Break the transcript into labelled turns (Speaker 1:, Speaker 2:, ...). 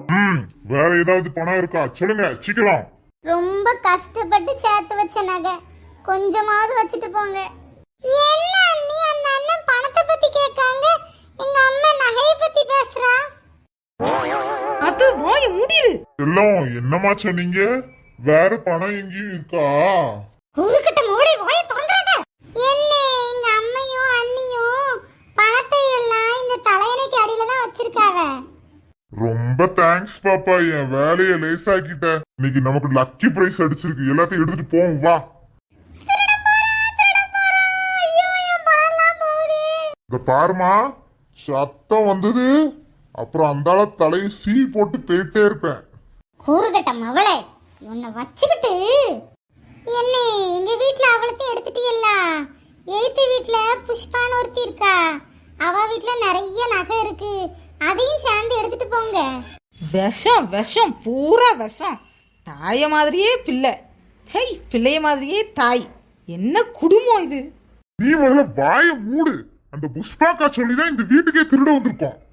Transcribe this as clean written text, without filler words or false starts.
Speaker 1: வேற ஏதாவது பணம் இருக்கா சொல்லுங்க சீக்கிரம்.
Speaker 2: ரொம்ப கஷ்டப்பட்டு சேர்த்து வச்ச நகை, கொஞ்சமாவது வச்சுட்டு போங்க. என்ன அண்ணி, அந்த அண்ணன் பணத்தை பத்தி கேட்காங்க, எங்க அம்மா நகையை பத்தி பேசுறா.
Speaker 3: அது வாய முடிரு.
Speaker 1: எல்லாம் என்னமா சொன்னீங்க? வேற பணம் எங்கேயும் இருக்கா?
Speaker 2: ஊருக்கிட்ட மூடி வாயை திறந்துறாத. என்ன, எங்க அம்மையும் அண்ணியும் பணத்தை எல்லாம் இந்த தலையணைக்கு அடியில தான் வச்சிருக்காவ.
Speaker 1: ரொம்ப தேங்க்ஸ் பாப்பா, என் வேலையை லேசாக்கிட்ட. இன்னைக்கு நமக்கு லக்கி பிரைஸ் அடிச்சிருக்கு. எல்லாத்தையும் எடுத்துட்டு போவோம் வா. இந்த பாருமா, சத்தம் வந்தது அப்புறம் அந்தால தலையை சீ போட்டு போயிட்டே இருப்பேன்.
Speaker 2: ஊருக்கிட்ட மவளே, உன்னை வச்சுக்கிட்டு. என்ன, எங்க வீட்டுல அவளத்தையும் எடுத்துட்டீல்ல? எழுத்து வீட்டுல புஷ்பான்னு ஒருத்தி இருக்கா, அவ வீட்டுல நிறைய நகை இருக்கு, அதையும் சேர்ந்து எடுத்துட்டு போங்க.
Speaker 3: விஷம் விஷம் பூரா விஷம். தாய மாதிரியே பிள்ளை, சை பிள்ளைய மாதிரியே தாய். என்ன குடும்பம் இது?
Speaker 1: நீ முதல்ல வாய மூடு. அந்த புஷ்பாக்கா சொல்லிதான் இந்த வீட்டுக்கே திருட வந்திருக்கோம்.